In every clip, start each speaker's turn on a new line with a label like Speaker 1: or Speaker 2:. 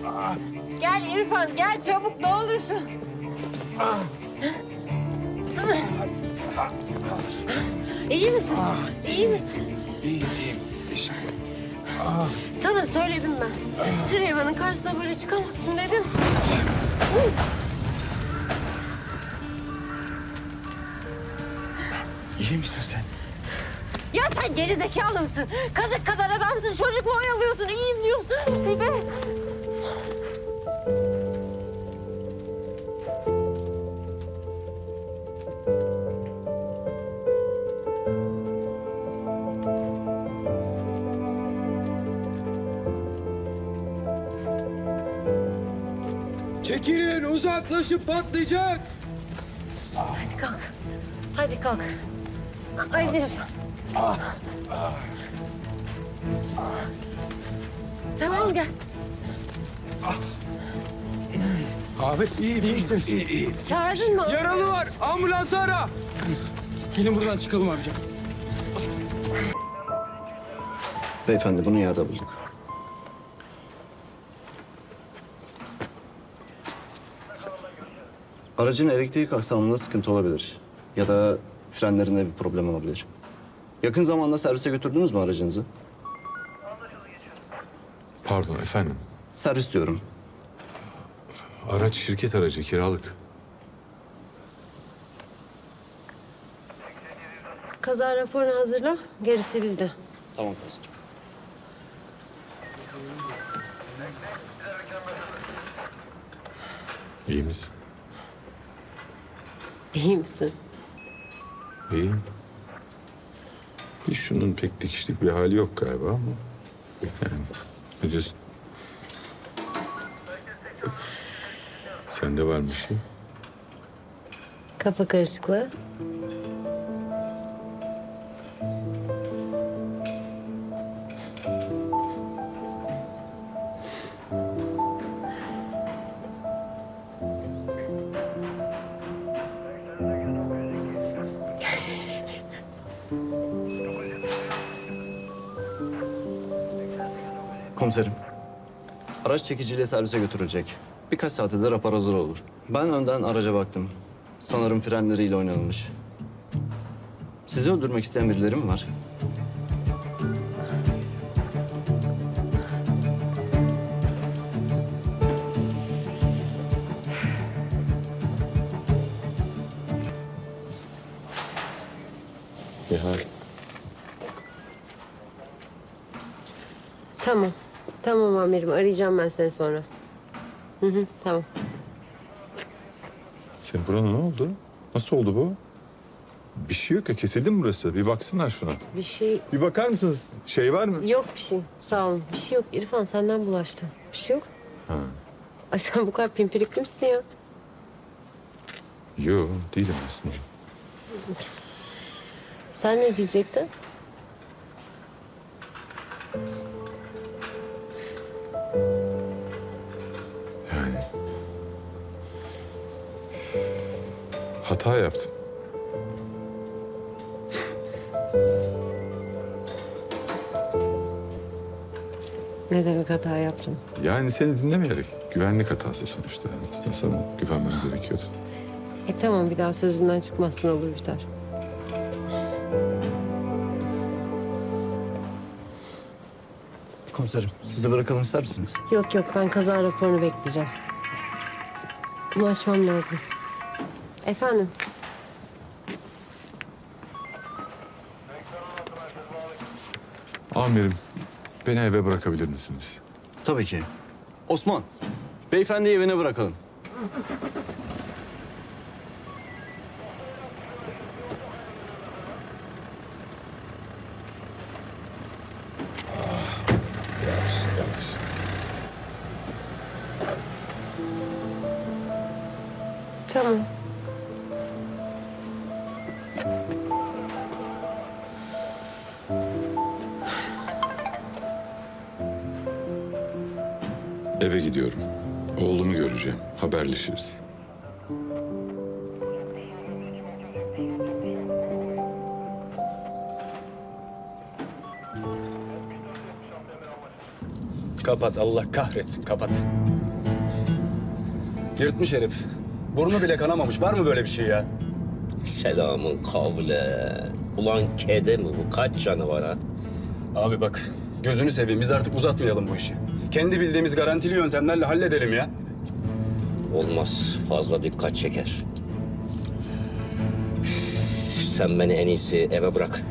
Speaker 1: Gel İrfan, gel çabuk ne olursun. İyi misin? İyi misin?
Speaker 2: İyiyim. Teşekkür ederim.
Speaker 1: Sana söyledim ben. Süleyman'ın karşısına böyle çıkamazsın dedim.
Speaker 2: İyi misin sen?
Speaker 1: Ya sen geri zekalı mısın? Kazık kadar adamsın, çocuk mu oyalıyorsun? İyiyim diyorsun. Bir de...
Speaker 2: Çekilin, uzaklaşıp patlayacak.
Speaker 1: Hadi kalk. Hadi kalk. Hadi İrfan. Tamam gel.
Speaker 2: Abi iyi misiniz? İyi.
Speaker 1: Çağırdın mı?
Speaker 2: Yaralı var. Ambulansı ara. Gelin buradan çıkalım amca.
Speaker 3: Beyefendi bunu yerde bulduk. Aracın elektrik aksamında sıkıntı olabilir. Ya da frenlerinde bir problem olabilir. Yakın zamanda servise götürdünüz mü aracınızı?
Speaker 4: Pardon efendim.
Speaker 3: Servis diyorum.
Speaker 4: Araç şirket aracı, kiralık.
Speaker 1: Kaza raporunu hazırla. Gerisi bizde.
Speaker 3: Tamam komiserim.
Speaker 4: İyi misin?
Speaker 1: İyi misin?
Speaker 4: İyiyim. Bir şunun pek dikişlik bir hali yok galiba ama. Yani ne diyorsun? Sende var bir şey.
Speaker 1: Kafa karışıklığı.
Speaker 3: Komiserim. Araç çekiciyle servise götürülecek. Birkaç saate de rapor hazır olur. Ben önden araca baktım. Sanırım frenleriyle oynanılmış. Sizi öldürmek isteyen birileri mi var?
Speaker 4: Bir hal.
Speaker 1: Tamam. Tamam amirim. Arayacağım ben seni sonra. Tamam.
Speaker 4: Senin burana ne oldu? Nasıl oldu bu? Bir şey yok ya, kesildi mi burası? Bir baksınlar şuna.
Speaker 1: Bir şey
Speaker 4: Bir bakar mısınız? Şey var mı?
Speaker 1: yok bir şey. Sağ olun. Bir şey yok. İrfan senden bulaştı. Bir şey yok.
Speaker 4: Ha.
Speaker 1: Ay sen bu kadar pimpirikli misin ya?
Speaker 4: Yok, değilim aslında.
Speaker 1: Sen ne diyecektin?
Speaker 4: Yani... Hata yaptım.
Speaker 1: Ne demek hata yaptım?
Speaker 4: Yani seni dinlemeyerek güvenlik hatası sonuçta. Aslında sana güvenmem gerekiyordu.
Speaker 1: Tamam bir daha sözümden çıkmazsın olur biter.
Speaker 3: Komiserim, sizi bırakalım ister misiniz?
Speaker 1: Yok yok ben kaza raporunu bekleyeceğim. Ulaşmam lazım. Efendim?
Speaker 4: Amirim, beni eve bırakabilir misiniz?
Speaker 3: Tabii ki. Osman, beyefendiyi evine bırakalım.
Speaker 4: Yavaş.
Speaker 1: Tamam.
Speaker 4: Eve gidiyorum. Oğlumu göreceğim. Haberleşiriz.
Speaker 2: Kapat, Allah kahretsin, kapat. Yırtmış herif. Burnu bile kanamamış. Var mı böyle bir şey ya?
Speaker 5: Selamın kavle. Ulan kede mi bu? Kaç canı var ha?
Speaker 2: Abi bak, gözünü seveyim. Biz artık uzatmayalım bu işi. Kendi bildiğimiz garantili yöntemlerle halledelim ya.
Speaker 5: Olmaz. Fazla dikkat çeker. Sen beni en iyisi eve bırak.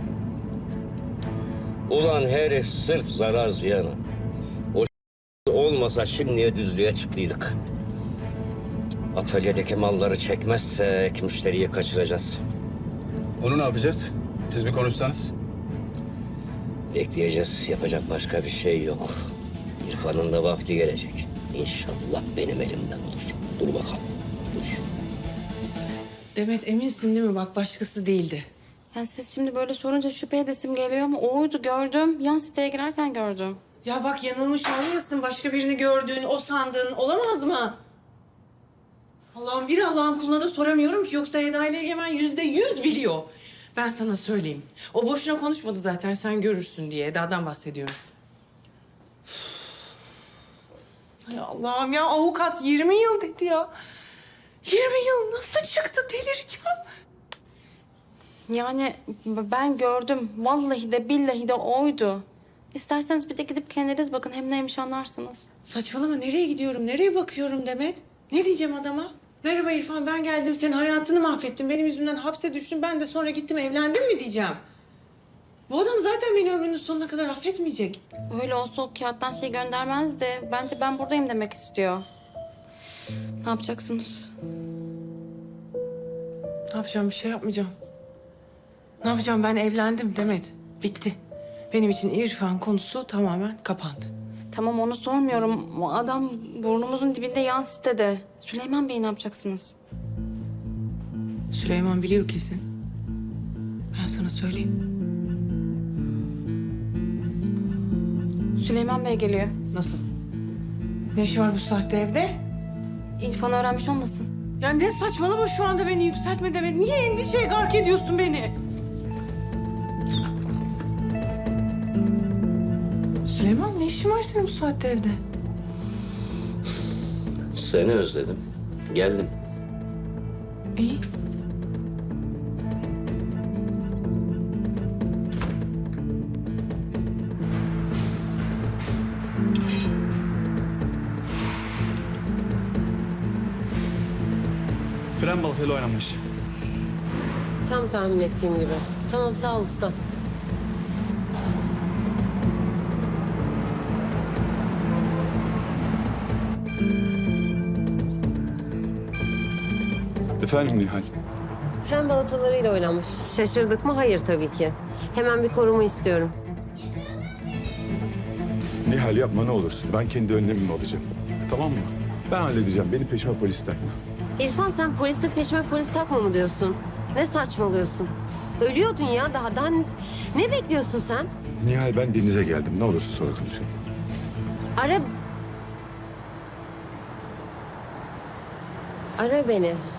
Speaker 5: Ulan herif sırf zarar ziyanı. O olmasa şimdiye düzlüğe çıktıydık. Atölyedeki malları çekmezsek müşteriyi kaçıracağız.
Speaker 2: Onu ne yapacağız? Siz bir konuşsanız.
Speaker 5: Bekleyeceğiz. Yapacak başka bir şey yok. İrfan'ın da vakti gelecek. İnşallah benim elimden olur. Dur bakalım. Dur.
Speaker 6: Demet eminsin değil mi? Bak başkası değildi.
Speaker 1: Yani siz şimdi böyle sorunca şüphe edesim geliyor ama oydu, gördüm. Yan siteye girerken gördüm.
Speaker 6: Ya bak yanılmış olmayasın. Başka birini gördüğün, o sandığın olamaz mı? Allah'ın kuluna da soramıyorum ki. Yoksa Eda ile Egemen %100 biliyor. Ben sana söyleyeyim. O boşuna konuşmadı zaten sen görürsün diye. Eda'dan bahsediyorum. Ay Allah'ım ya avukat 20 yıl dedi ya. 20 yıl nasıl çıktı delireceğim.
Speaker 1: Yani ben gördüm. Vallahi de billahi de oydu. İsterseniz bir de gidip kendiniz bakın. Hem neymiş anlarsınız.
Speaker 6: Saçmalama nereye gidiyorum, nereye bakıyorum Demet? Ne diyeceğim adama? Merhaba İrfan ben geldim senin hayatını mahvettim. Benim yüzümden hapse düştüm ben de sonra gittim evlendim mi diyeceğim. Bu adam zaten beni ömrünün sonuna kadar affetmeyecek.
Speaker 1: Öyle olsa o kağıttan şey göndermezdi. Bence ben buradayım demek istiyor. Ne yapacaksınız?
Speaker 6: Ne yapacağım bir şey yapmayacağım. Ne yapacağım ben evlendim Demet. Bitti. Benim için İrfan konusu tamamen kapandı.
Speaker 1: Tamam onu sormuyorum. O adam burnumuzun dibinde yan sitede. Süleyman Bey'i ne yapacaksınız?
Speaker 6: Süleyman biliyor kesin. Ben sana söyleyeyim.
Speaker 1: Süleyman Bey geliyor.
Speaker 6: Nasıl? Ne işi var bu saatte evde?
Speaker 1: İrfan öğrenmiş olmasın?
Speaker 6: Ya ne saçmalama şu anda beni yükseltme Demet. Niye endişeye gark ediyorsun beni? Süleyman ne işin var senin bu saatte evde?
Speaker 5: Seni özledim. Geldim.
Speaker 6: İyi.
Speaker 2: Fren baltayla oynanmış.
Speaker 7: Tam tahmin ettiğim gibi. Tamam sağ ol usta.
Speaker 4: Efendim Nihal.
Speaker 7: Fren balatalarıyla oynanmış. Şaşırdık mı? Hayır tabii ki. Hemen bir koruma istiyorum.
Speaker 4: Nihal yapma ne olursun. Ben kendi önlemimi alacağım. Tamam mı? Ben halledeceğim. Beni peşime polis takma.
Speaker 7: İrfan sen polisin peşime polis takma mı diyorsun? Ne saçmalıyorsun? Ölüyordun ya daha ne bekliyorsun sen?
Speaker 4: Nihal ben denize geldim. Ne olursa sonra konuşalım.
Speaker 7: Ara beni.